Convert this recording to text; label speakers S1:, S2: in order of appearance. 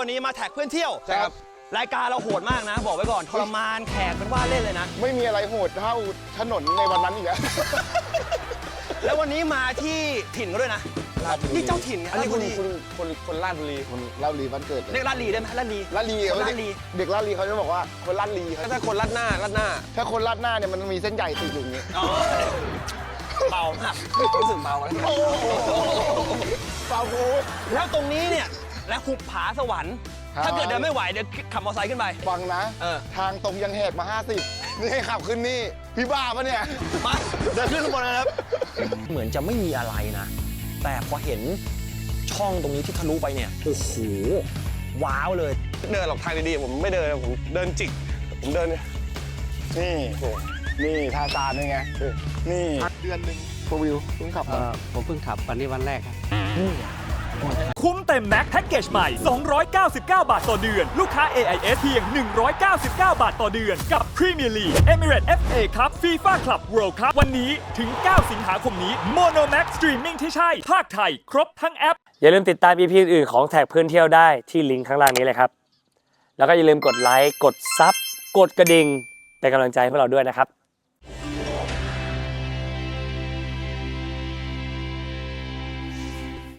S1: วันนี้มาแท็กเพื่อนเที่ยว
S2: ครับ
S1: รายการเราโหดมากนะบอกไว้ก่อนทรมานแขกเป็นว่าเล่นเลยนะ
S2: ไม่มีอะไรโหดเท่าถนนในวันนั้นอีกแล้ว
S1: แล้ววันนี้มาที่ถิ่นก็ด้วยนะนี่เจ้าถิ่นไง
S2: อันนี้คนลาดบุรีคนลาดบุรีบ้านเกิด
S1: เรียกลาดลีได้ไหมลาดลี
S2: ลาดลี
S1: คนลาดลี
S2: เด็กลาดลีเขาจะบอกว่าคนลาดลีถ้าคนลาดหน้าถ้าคนลาดหน้าเนี่ยมันมีเส้นใหญ่ติดอยู่อย่างนี้
S1: เบามากรู้สึกเบาแล้วเบาโอ้แล้วตรงนี้เนี่ยและหุบผาสวรรค์ถ้าเกิดเดินไม่ไหวเดี๋ยวขับมอเตอร์ไซค์ขึ้นไป
S2: ฟังนะทางตรงยังแหกมา50นี่ให้ขับขึ้นนี่พี่บ้าปะเนี่ย
S1: มาเดินขึ้นข้างบนนะครับเหมือนจะไม่มีอะไรนะแต่พอเห็นช่องตรงนี้ที่ทะลุไปเนี่ยโอ้โหว้าวเลย
S2: เดินหลอกทางดีๆผมไม่เดินผมเดินจิกผมเดินนี่ทาซานนี่ไงนี่เดือนหนึ่งโฟวิวเพิ่งขับ
S3: ผมเพิ่งขับวันนี้วันแรกครับ
S4: คุ้มเต็มแม็กแพ็กเกจใหม่ 299 บาทต่อเดือน ลูกค้า AIS เพียง 199 บาทต่อเดือน กับ Premier League Emirates FA Cup FIFA Club World Cup วันนี้ถึง 9 สิงหาคมนี้ Mono Max Streaming ที่ใช่ ภาคไทย ครบทั้งแอป
S5: อย่าลืมติดตาม EP อื่นๆของแท็กเพื่อนเที่ยวได้ที่ลิงก์ข้างล่างนี้เลยครับ แล้วก็อย่าลืมกดไลค์ กดซับ กดกระดิ่งเป็นกำลังใจให้พวกเราด้วยนะครับ